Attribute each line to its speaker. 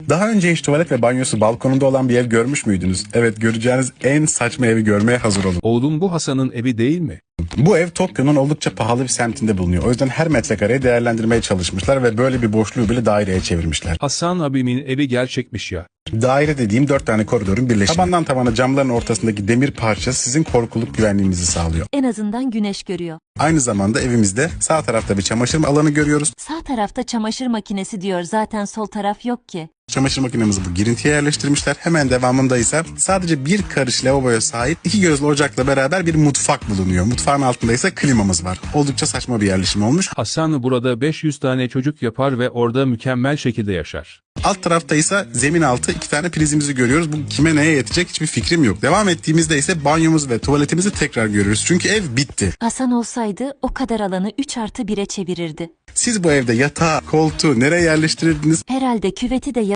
Speaker 1: Daha önce hiç tuvalet ve banyosu balkonunda olan bir ev görmüş müydünüz? Evet, göreceğiniz en saçma evi görmeye hazır olun.
Speaker 2: Oğlum bu Hasan'ın evi değil mi?
Speaker 1: Bu ev Tokyo'nun oldukça pahalı bir semtinde bulunuyor. O yüzden her metrekareyi değerlendirmeye çalışmışlar ve böyle bir boşluğu bile daireye çevirmişler.
Speaker 2: Hasan abimin evi gerçekmiş ya.
Speaker 1: Daire dediğim 4 tane koridorun birleşimi. Tabandan tavana camların ortasındaki demir parça sizin korkuluk güvenliğinizi sağlıyor.
Speaker 3: En azından güneş görüyor.
Speaker 1: Aynı zamanda evimizde sağ tarafta bir çamaşır alanı görüyoruz.
Speaker 3: Sağ tarafta çamaşır makinesi diyor, zaten sol taraf yok ki.
Speaker 1: Çamaşır makinemizi bu girintiye yerleştirmişler. Hemen devamında ise sadece bir karış lavaboya sahip 2 gözlü ocakla beraber bir mutfak bulunuyor. Mutfağın altında ise klimamız var. Oldukça saçma bir yerleşim olmuş.
Speaker 2: Hasan burada 500 tane çocuk yapar ve orada mükemmel şekilde yaşar.
Speaker 1: Alt tarafta ise zemin altı 2 tane prizimizi görüyoruz. Bu kime neye yetecek hiçbir fikrim yok. Devam ettiğimizde ise banyomuz ve tuvaletimizi tekrar görüyoruz. Çünkü ev bitti.
Speaker 3: Hasan olsaydı o kadar alanı 3+1'e çevirirdi.
Speaker 1: Siz bu evde yatağı, koltuğu nereye yerleştirirdiniz?
Speaker 3: Herhalde küveti de